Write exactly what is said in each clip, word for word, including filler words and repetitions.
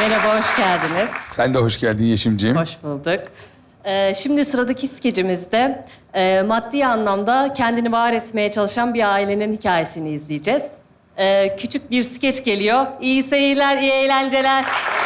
Merhaba, hoş geldiniz. Sen de hoş geldin Yeşimciğim. Hoş bulduk. Ee, şimdi sıradaki skecimizde e, maddi anlamda kendini var etmeye çalışan bir ailenin hikayesini izleyeceğiz. Ee, küçük bir skeç geliyor. İyi seyirler, iyi eğlenceler.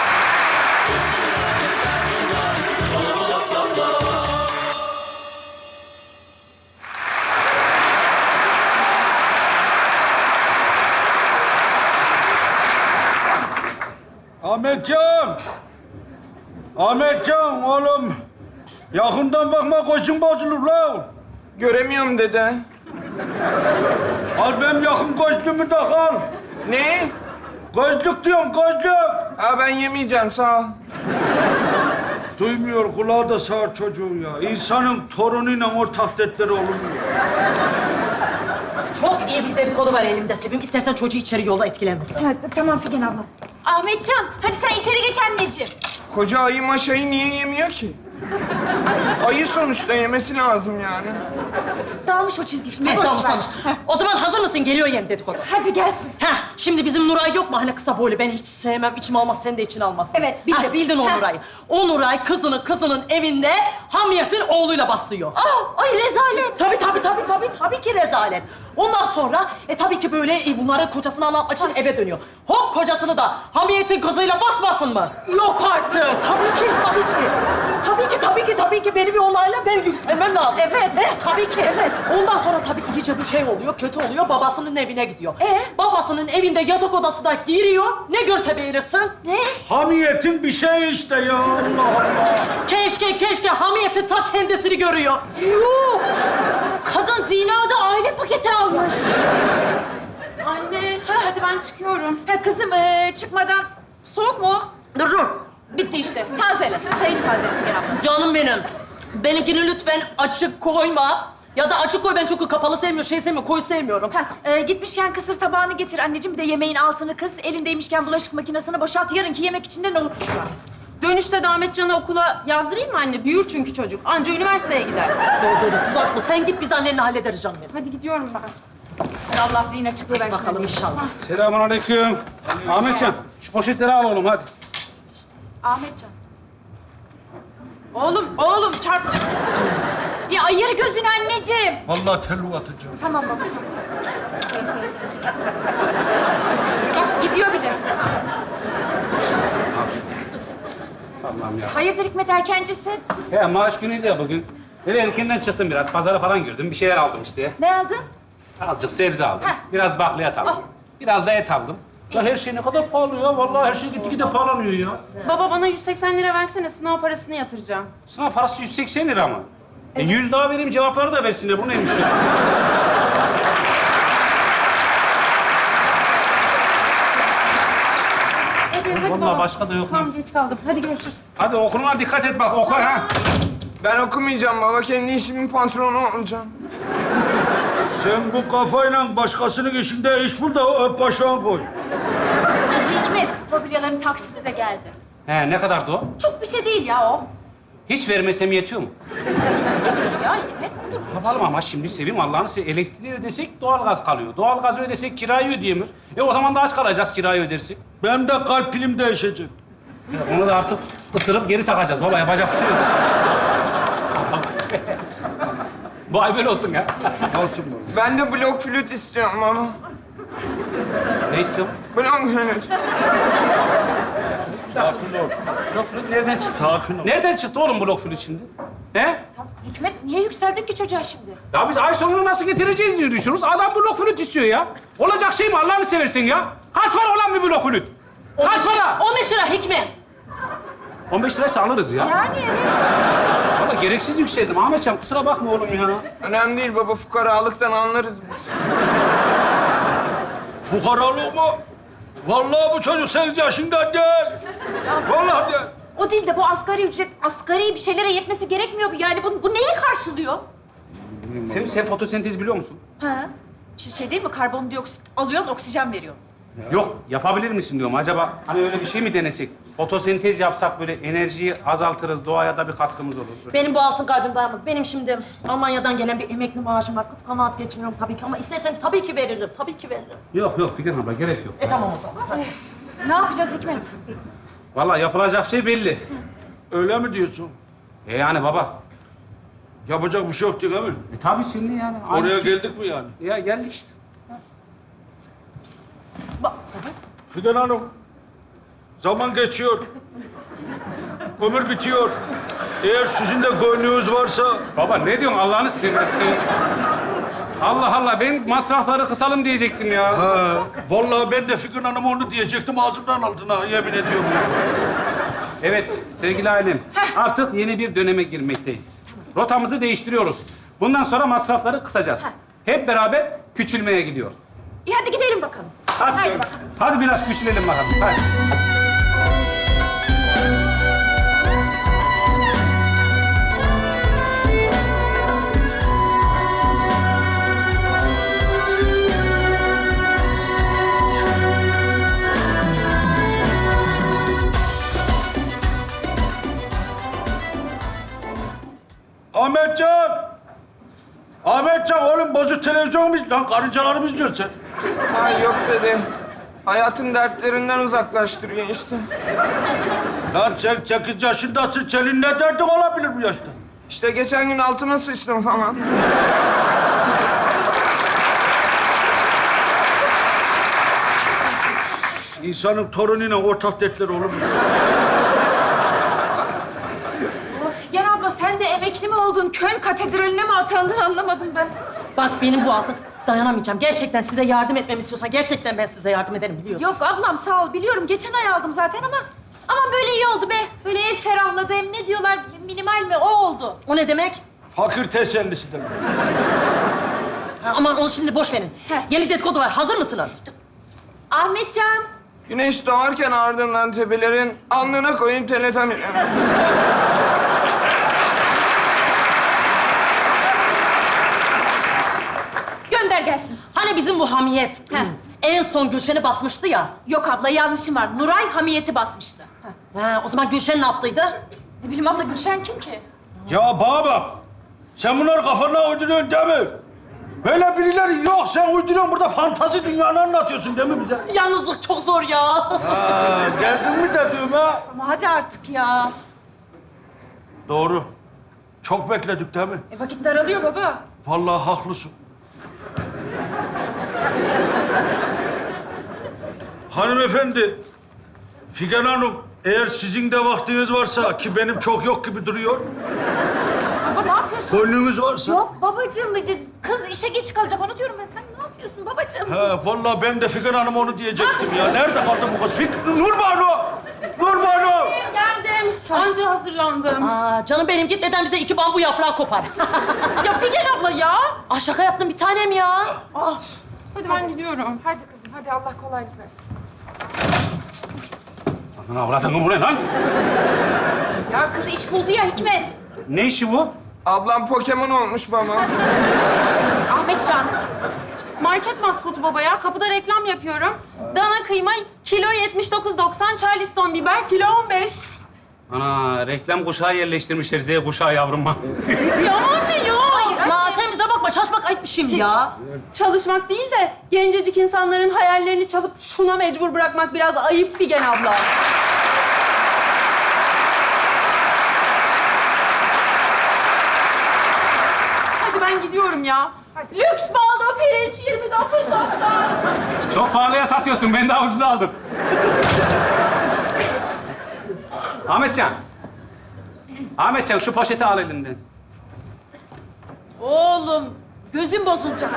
Ahmetcan! Ahmetcan oğlum! Yakından bakma koçun bozulur lan! Göremiyorum dede. Al benim yakın gözlüğümü de al. Ne? Gözlük diyorum, gözlük! Ha ben yemeyeceğim sağ ol. Duymuyor, kulağı da sağır çocuğu ya. İnsanın torunuyla ortak dertleri olur mu? Çok iyi bir dedikodu var elimde Sevim. İstersen çocuğu içeri yolla etkilenmesin. Evet, tamam Figen abla. Ahmetcan, hadi sen içeri geç anneciğim. Koca ayı maşayı niye yemiyor ki? Ayı sonuçta yemesi lazım yani. Dalmış o çizgi filme, Evet, boş dalmış ver. dalmış. O zaman hazır mısın? Geliyor yem dedikodu. Hadi gelsin. Heh, şimdi bizim Nuray yok mu? Hani kısa boylu. Ben hiç sevmem. İçim almaz, sen de için almazsın. Evet, bildim. Heh, bildin o Heh. Nuray'ı. O Nuray kızını kızının evinde Hamiyet'in oğluyla basıyor. Aa, ay rezalet. Tabii tabii tabii tabii tabii ki rezalet. Ondan sonra e tabii ki böyle e, bunları kocasına anlatmak için eve dönüyor. Hop kocasını da Hamiyet'in kızıyla basmasın mı? Yok artık. Tabii ki tabii ki. Tabii ki tabii ki tabii ki beni bir olayla ben yükselmem lazım. Evet. He, tabii ki. Evet. Ondan sonra tabii iyice bir şey oluyor, kötü oluyor. Babasının evine gidiyor. Ee? Babasının evinde yatak odasına giriyor. Ne görse beğenirsin. Ne? Hamiyetin bir şeyi işte ya, Allah Allah! Keşke keşke Hamiyet'in ta kendisini görüyor. Yuh! Kadın zinada aile paketi almış. Anne, hadi ben çıkıyorum. Ha kızım, ee, çıkmadan soğuk mu? Dur dur. Bitti işte. Tazele. Çayın tazele Figen abla. Canım benim. Benimkini lütfen açık koyma. Ya da açık koy, ben çok kapalı sevmiyorum, şey sevmiyorum, koyu sevmiyorum. Ha, ee, gitmişken kısır tabağını getir anneciğim. Bir de yemeğin altını kıs. Elindeymişken bulaşık makinesini boşalt. Yarınki yemek için de nohut ısrar. Dönüşte de Ahmetcan'ı okula yazdırayım mı anne? Büyür çünkü çocuk. Anca üniversiteye gider. Doğru doğru, kız haklı. Sen git, biz annenle hallederiz canım benim. Hadi gidiyorum ben. Allah zihin açıklığı versin. Bakalım inşallah. Selamünaleyküm. Ahmetcan, şu poşetleri al oğlum hadi. Ahmetcan. Oğlum, oğlum çarpacak. Bir ayır gözünü anneciğim. Vallahi tellu atacağım. Tamam baba, tamam. Bak gidiyor bir de. Allah'ım ya. Hayırdır Hikmet, erkencisin? He maaş günüydü ya bugün. Böyle erkenden çıktım biraz. Pazara falan girdim. Bir şeyler aldım işte. Ne aldın? Azıcık sebze aldım. Heh. Biraz bakliyat aldım. Al. Biraz da et aldım. Ya her şey ne kadar pahalı ya. Vallahi her şey gitgide pahalanıyor ya. Baba bana yüz seksen lira versene, sınav parasını yatıracağım. Sınav parası yüz seksen lira mı? E yüz daha vereyim, cevapları da versinler. Bu neymiş ya? Hadi, hadi Vallahi baba. başka da yok. Tamam, geç kaldım. Hadi görüşürüz. Hadi okuluna dikkat et bak. Oku ha. Ben okumayacağım baba. Kendi işimin patronu olacağım. Sen bu kafayla başkasının işinde iş bul da öp başına koy. Hikmet, mobilyaların taksidi de geldi. He ne kadardı o? Çok bir şey değil ya o. Hiç vermesem yetiyor mu? Ya Hikmet, olur. Yapalım ama şimdi Sevim Allah'ını seversen elektriği ödesek doğalgaz kalıyor. Doğalgazı ödesek kirayı ödeyemiyoruz. E o zaman da aç kalacağız kirayı ödersek. Benim de kalp pilim değişecek. Ya onu da artık ısırıp geri takacağız baba. Yapacak bir şey yok. Bu ay böyle olsun ya. Altın var. Ben de blok flüt istiyorum baba. Ne istiyorsun? Blok flüt. Sakin ol. Blok flüt nereden çıktı? Sakin ol. Nereden çıktı oğlum blok flüt şimdi? He? Hikmet, niye yükseldin ki çocuğa şimdi? Ya biz ay sonunu nasıl getireceğiz diye düşünüyoruz. Adam blok flüt istiyor ya. Olacak şey mi Allah'ını seversen ya? Kaç para olan bir blok flüt? Kaç para? on beş lira Hikmet. on beş liraysa alırız ya. Yani evet. Valla gereksiz yükseldim Ahmetcan. Kusura bakma oğlum ya. Önemli değil baba. Fukaralıktan anlarız biz. Fukaralık mı? Vallahi bu çocuk sekiz yaşında değil. Vallahi değil. O değil de bu asgari ücret, asgari bir şeylere yetmesi gerekmiyor mu? Yani bu, bu neyi karşılıyor? Sen, sen fotosentez biliyor musun? Ha? İşte şey değil mi? Karbondioksit alıyorsun, oksijen veriyorsun. Yok, yapabilir misin diyorum. Acaba hani öyle bir şey mi denesek? Fotosentez yapsak böyle enerjiyi azaltırız, doğaya da bir katkımız olur. Benim bu altın kalbim dayanmadı. Benim şimdi Almanya'dan gelen bir emekli maaşım var. Kıt kanaat geçiniyorum tabii ki ama isterseniz tabii ki veririm. Tabii ki veririm. Yok yok Figen abla gerek yok. E tamam o zaman. Hadi. Ne yapacağız Hikmet? Vallahi yapılacak şey belli. Öyle mi diyorsun? E yani baba. Yapacak bir şey yok değil mi? E tabii şimdi yani. Oraya Aynı- geldik mi yani? Ya geldik işte. Fidan Hanım, zaman geçiyor. Ömür bitiyor. Eğer sizin de gönlünüz varsa... Baba ne diyorsun Allah'ını seversen? Allah Allah ben masrafları kısalım diyecektim ya. Ha, vallahi ben de Fidan Hanım onu diyecektim, ağzımdan aldın ha, yemin ediyorum. Evet sevgili ailem. Artık yeni bir döneme girmekteyiz. Rotamızı değiştiriyoruz. Bundan sonra masrafları kısacağız. Hep beraber küçülmeye gidiyoruz. İyi hadi gidelim bakalım. Hadi, Haydi bakalım. hadi biraz küçülelim bakalım. Hadi. Ahmetcan! Ahmetcan oğlum bozuk televizyon mu izliyorsun? Lan karıncaları mı izliyorsun sen? Ay yok dede. Hayatın dertlerinden uzaklaştırıyor işte. Lan sen sekiz yaşındasın, senin ne derdin olabilir bu yaşta? İşte geçen gün altıma sıçtım falan. İnsanın torunuyla ortak dertleri olur mu? Of Figen abla sen de emekli mi oldun? Köln katedraline mi atandın anlamadım ben. Bak benim bu altın dayanamayacağım. Gerçekten size yardım etmemi istiyorsan gerçekten ben size yardım ederim biliyorsun. Yok ablam sağ ol biliyorum. Geçen ay aldım zaten ama aman böyle iyi oldu be. Böyle ev ferahladı hem ne diyorlar minimal mi o oldu. O ne demek? Fakir tesellisi demek. Ha, aman onu şimdi boş verin. Heh. Yeni dedikodu var. Hazır mısınız? Ahmetcan. Güneş doğarken ardından tepelerin alnına koyun teletamin. Gönder gelsin. Hani bizim bu hamiyet Heh. en son Gülşen'i basmıştı ya. Yok abla yanlışım var. Nuray hamiyeti basmıştı. Heh. Ha, o zaman Gülşen ne yaptıydı? Ne bileyim abla Gülşen kim ki? Ya bana bak. Sen bunları kafana uyduruyorsun değil mi? Böyle birileri yok. Sen uyduruyorsun burada fantazi dünyanı anlatıyorsun değil mi bize? Yalnızlık çok zor ya. Ha, geldin mi dediğime? Ama hadi artık ya. Doğru. Çok bekledik değil mi? E vakit daralıyor baba. Vallahi haklısın. Hanımefendi, Figen Hanım, eğer sizin de vaktiniz varsa ki benim çok yok gibi duruyor, Baba ne yapıyorsun? gönlünüz varsa... Yok babacığım kız işe geç kalacak onu diyorum ben. Sen ne yapıyorsun babacığım? He, vallahi ben de Figen Hanım onu diyecektim ya. Nerede kaldı bu kız? Fik... Nurbanu! Nurbanu! Geldim. Anca hazırlandım. Aa, canım benim gitmeden bize iki bambu yaprağı kopar. Ya Figen abla ya. Aa, şaka yaptım bir tanem ya. Aa. Hadi ben gidiyorum. Hadi kızım hadi Allah kolaylık versin. Lan avradın bu ne lan? Ya kız iş buldu ya Hikmet. Ne işi bu? Ablam Pokemon olmuş baba. Ahmetcan. Market maskotu baba ya. Kapıda reklam yapıyorum. Dana kıyma kilo yetmiş dokuz doksan, Charleston biber kilo on beş. Ana reklam kuşağı yerleştirmişler Z kuşağı yavruma. Ya anne ya. Ma sen bize bakma çalışmak ayıp bir şey mi ya? Çalışmak değil de gencecik insanların hayallerini çalıp şuna mecbur bırakmak biraz ayıp Figen abla. Hadi ben gidiyorum ya. Lüks baldo pirinç yirmi dokuz doksan. Çok pahalıya satıyorsun. Ben daha ucuza aldım. Ahmetcan. Ahmetcan şu poşeti al elinden. Oğlum gözün bozulacak.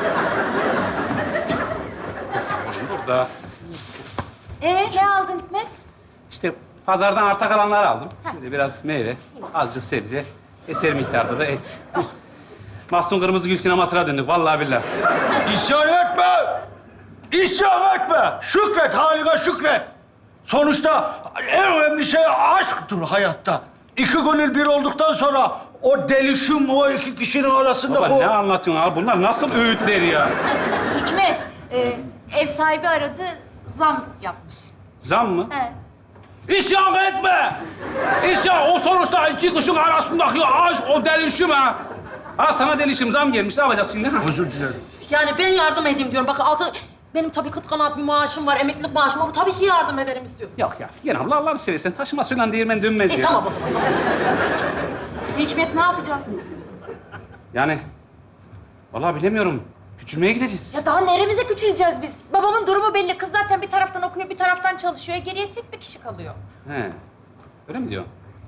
Burada. Ee ne aldın Hikmet? İşte pazardan arta kalanları aldım. Bir de biraz meyve, azıcık sebze, eser miktarda da et. Mahsun Kırmızı Gül sinemasına döndük vallahi billahi. İsyan etme! İsyan etme! Şükret, haline şükret! Sonuçta en önemli şey aşktır hayatta. İki gönül bir olduktan sonra o delişim o iki kişinin arasında Baba o... ne anlatıyorsun abi? Bunlar nasıl öğütler ya? Hikmet e, ev sahibi aradı zam yapmış. Zam mı? He. İsyan etme! İsyan, o sonuçta iki kuşun arasındaki aşk, o delişim ha. Ha sana delişim, zam gelmiş. Ne yapacağız şimdi? Ha? Özür dilerim. Yani ben yardım edeyim diyorum. Bakın altı... Benim tabii kıt kanaat bir maaşım var, emeklilik maaşım ama tabii ki yardım ederim istiyorum. Yok ya. Yine abla Allah'ını seversen taşıma suyla değirmen dönmez İyi ya. tamam o zaman. Hikmet ne yapacağız biz? Yani vallahi bilemiyorum. Küçülmeye gideceğiz. Ya daha neremize küçüleceğiz biz? Babamın durumu belli. Kız zaten bir taraftan okuyor, bir taraftan çalışıyor. Geriye tek bir kişi kalıyor. He. Öyle mi diyor?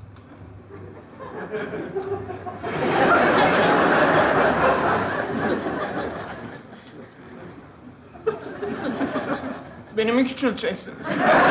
Beni mi küçülteceksiniz?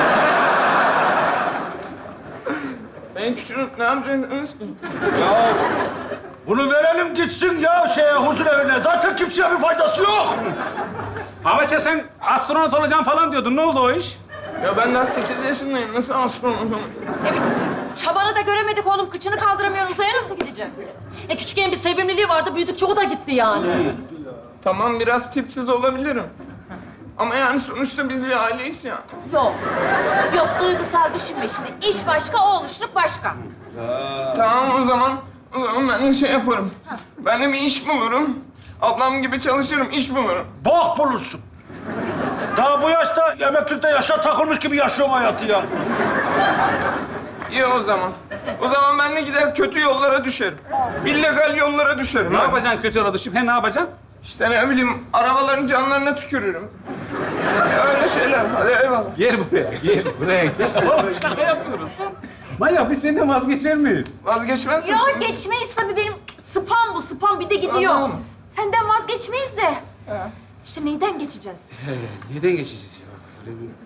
Beni küçülüp ne yapacaksınız ki? Ya bunu verelim gitsin ya şeye huzur evine. Zaten kimseye bir faydası yok. Ahmetciğim sen astronot olacağım falan diyordun. Ne oldu o iş? Ya ben daha sekiz yaşındayım. Nasıl astronot olacağım? Çabanı da göremedik oğlum. Kıçını kaldıramıyor. Uzaya nasıl gidecek? E küçükken bir sevimliliği vardı, büyüdükçe o da gitti yani. Tamam biraz tipsiz olabilirim. Ama yani sonuçta biz bir aileyiz ya. Yok. Yok duygusal düşünme şimdi. İş başka, oğluşluk başka. Tamam o zaman, o zaman ben de şey yaparım. Ben de bir iş bulurum. Ablam gibi çalışırım, iş bulurum. Bok bulursun. Daha bu yaşta emeklilikte yaşa takılmış gibi yaşıyorum hayatı ya. İyi o zaman. O zaman ben de gider kötü yollara düşerim. İllegal yollara düşerim. Ne ha. yapacaksın kötü yola düşüp? He ne yapacaksın? İşte ne bileyim, arabaların canlarına tükürürüm. Ya öyle şeyler. Hadi eyvallah. Gel buraya, gel buraya. Gel. Oğlum şaka yapıyoruz. Manyak biz senden vazgeçer miyiz? Vazgeçmez Ya misin? geçmeyiz tabii benim. Spam bu, spam bir de gidiyor. Anladım. Senden vazgeçmeyiz de. İşte neyden geçeceğiz? Neden geçeceğiz ya? Öyle bir-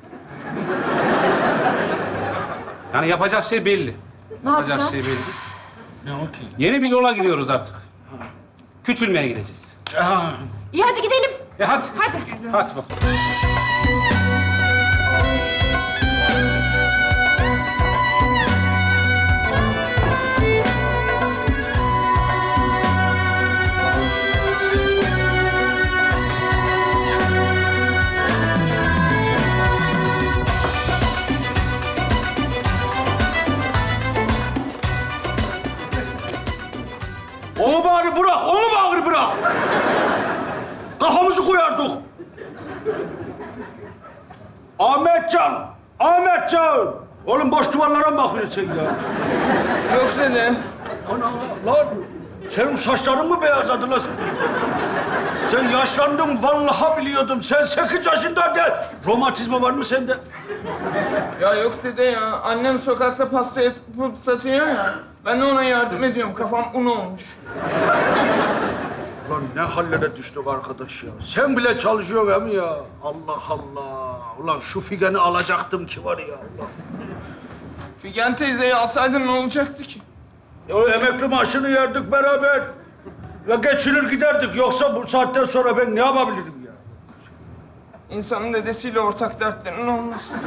Yani yapacak şey belli. Ne Yapacak yapacağız? şey belli. Ne o ki? Yeni bir yola gidiyoruz artık. Küçülmeye gideceğiz. Ya, İyi hadi gidelim. E hadi. Hadi. Hadi bak. onu bari bırak, onu bari bırak. Kafamızı koyardık. Ahmetcan, Ahmetcan. Oğlum boş duvarlara mı bakıyorsun sen ya? Yok dede. Ana lan, senin saçların mı beyazladı lan? Sen yaşlandın, vallahi biliyordum. Sen sekiz yaşındaydın. Romatizma var mı sende? Ya yok dede ya. Annem sokakta pasta yapıp satıyor ya. Ben de ona yardım ediyorum. Kafam un olmuş. Lan ne hallere düştük arkadaş ya. Sen bile çalışıyorsun hem ya. Allah Allah. Ulan şu figeni alacaktım ki var ya Allah. Figen teyzeyi alsaydın ne olacaktı ki? Ya o emekli maaşını yerdik beraber. Ya geçinir giderdik. Yoksa bu saatten sonra ben ne yapabilirim ya? İnsanın dedesiyle ortak dertlerinin olması.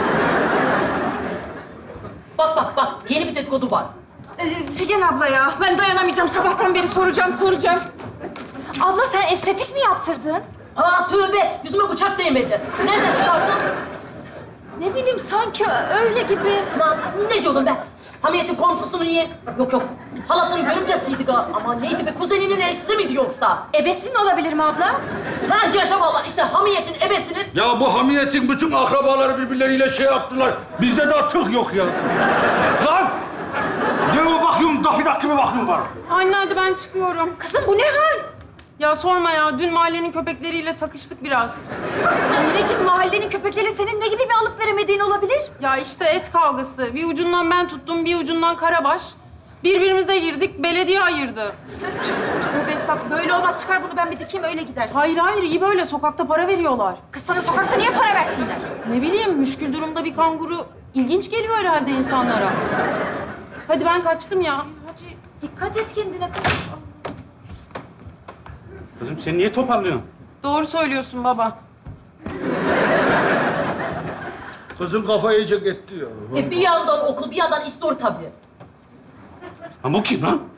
Bak bak bak, yeni bir dedikodu var. Ee, Figen abla ya, ben dayanamayacağım. Sabahtan beri soracağım, soracağım. Abla sen estetik mi yaptırdın? Aa tövbe, yüzüme bıçak değmedi. Nereden çıkardın? Ne bileyim sanki öyle gibi. Aman ne diyordum ben? Hamiyet'in komşusunun yeğen... Yok yok, halasının görümcesiydi ga. Ama neydi be, kuzeninin eltisi miydi yoksa? Ebesin olabilir mi abla? Ha yaşa vallahi, işte Hamiyet'in ebesinin... Ya bu hamiyetin bütün akrabaları birbirleriyle şey yaptılar. Bizde daha tık yok ya. Lan! Ne o bakıyorsun, dafidak gibi bakıyorsun bana. Anne hadi ben çıkıyorum. Kızım bu ne hal? Ya sorma ya. Dün mahallenin köpekleriyle takıştık biraz. Anneciğim mahallenin köpekleri senin ne gibi bir alıp veremediğin olabilir? Ya işte et kavgası. Bir ucundan ben tuttum, bir ucundan Karabaş. Birbirimize girdik, belediye ayırdı. Tövbe estağfurullah. Böyle olmaz. Çıkar bunu ben bir dikeyim öyle gidersin. Hayır hayır, iyi böyle. Sokakta para veriyorlar. Kız sana sokakta niye para versinler? Ne bileyim, müşkül durumda bir kanguru ilginç geliyor herhalde insanlara. Hadi ben kaçtım ya. Hadi dikkat et kendine kızım. Kızım sen niye toparlıyorsun? Doğru söylüyorsun baba. Kızın kafa iyice gitti ya. E bir yandan okul, bir yandan istor tabii. Ha bu kim lan?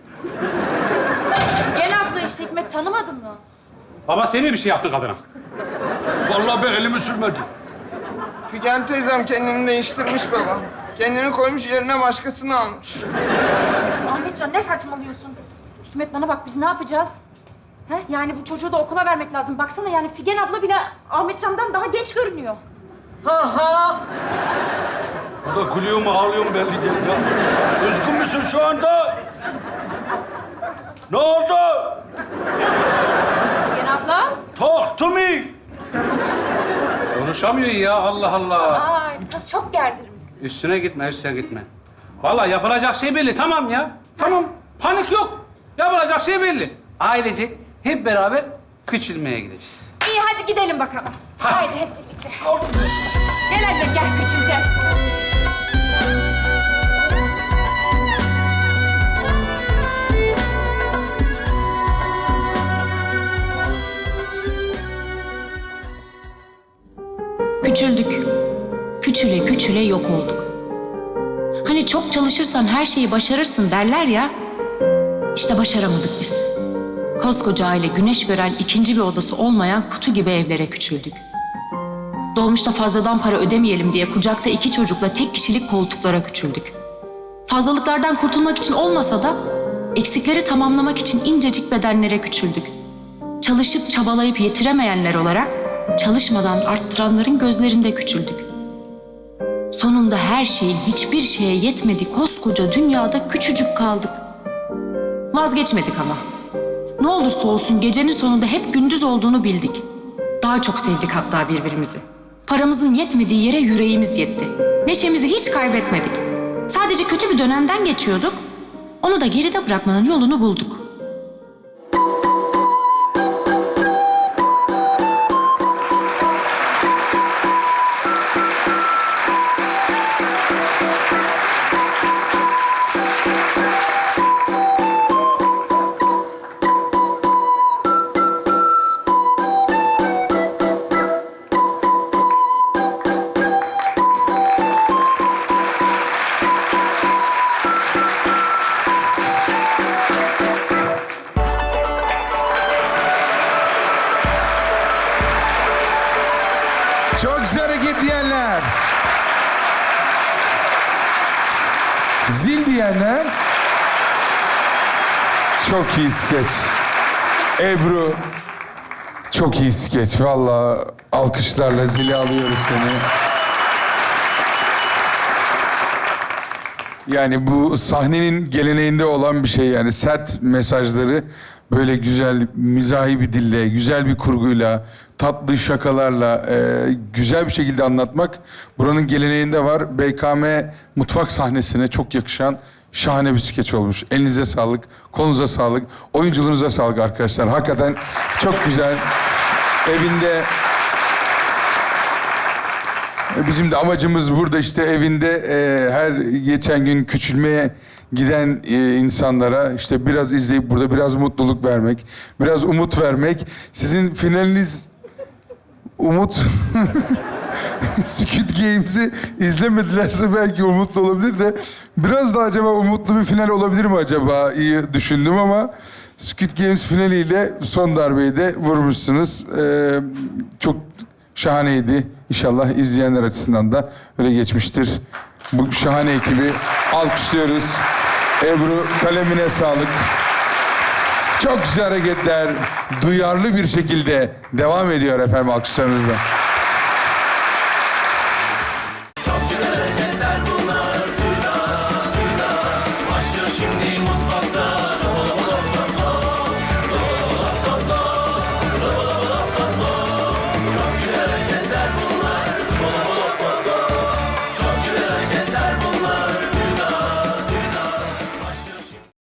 Gel abla işte Hikmet tanımadın mı? Baba sen mi bir şey yaptın kadına? Vallahi ben elimi sürmedim. Figen teyzem kendini değiştirmiş baba. Kendini koymuş yerine başkasını almış. Ahmetcan ne saçmalıyorsun? Hikmet bana bak biz ne yapacağız? He? Yani bu çocuğu da okula vermek lazım. Baksana yani Figen abla bile Ahmetcan'dan daha genç görünüyor. Ha ha. Bu da gülüyor mu ağlıyor mu belli değil ya. Üzgün müsün şu anda? Ne oldu? Figen abla. Talk to me. Konuşamıyor ya Allah Allah. Aa, kız çok gerdirmişsin. Üstüne gitme, üstüne gitme. Vallahi yapılacak şey belli. Tamam ya. Tamam. Panik yok. Yapılacak şey belli. Ailecek hep beraber küçülmeye gideceğiz. İyi hadi gidelim bakalım. Hadi. Haydi hep birlikte. Gel anne gel küçüleceğiz. Küçüldük. Küçüle küçüle yok olduk. Hani çok çalışırsan her şeyi başarırsın derler ya. İşte başaramadık biz. Koskoca aile güneş gören ikinci bir odası olmayan kutu gibi evlere küçüldük. Dolmuşta fazladan para ödemeyelim diye kucakta iki çocukla tek kişilik koltuklara küçüldük. Fazlalıklardan kurtulmak için olmasa da eksikleri tamamlamak için incecik bedenlere küçüldük. Çalışıp çabalayıp yetiremeyenler olarak çalışmadan arttıranların gözlerinde küçüldük. Sonunda her şeyin hiçbir şeye yetmediği koskoca dünyada küçücük kaldık. Vazgeçmedik ama. Ne olursa olsun gecenin sonunda hep gündüz olduğunu bildik. Daha çok sevdik hatta birbirimizi. Paramızın yetmediği yere yüreğimiz yetti. Neşemizi hiç kaybetmedik. Sadece kötü bir dönemden geçiyorduk. Onu da geride bırakmanın yolunu bulduk. Çok güzel hareket diyenler. Zil diyenler. Çok iyi skeç. Ebru. Çok iyi skeç. Vallahi alkışlarla zili alıyoruz seni. Yani bu sahnenin geleneğinde olan bir şey yani. Sert mesajları böyle güzel, mizahi bir dille, güzel bir kurguyla, tatlı şakalarla, e, güzel bir şekilde anlatmak buranın geleneğinde var. B K M mutfak sahnesine çok yakışan şahane bir skeç olmuş. Elinize sağlık, kolunuza sağlık, oyunculuğunuza sağlık arkadaşlar. Hakikaten çok güzel. Evinde... Bizim de amacımız burada işte evinde e, her geçen gün küçülmeye giden e, insanlara işte biraz izleyip burada biraz mutluluk vermek, biraz umut vermek. Sizin finaliniz umut. Squid Games'i izlemedilerse belki umutlu olabilir de biraz da acaba umutlu bir final olabilir mi acaba? İyi düşündüm ama Squid Games finaliyle son darbeyi de vurmuşsunuz. Ee, çok şahaneydi. İnşallah izleyenler açısından da öyle geçmiştir. Bu şahane ekibi alkışlıyoruz. Ebru kalemine sağlık. Çok güzel hareketler, duyarlı bir şekilde devam ediyor efendim alkışlarınızla.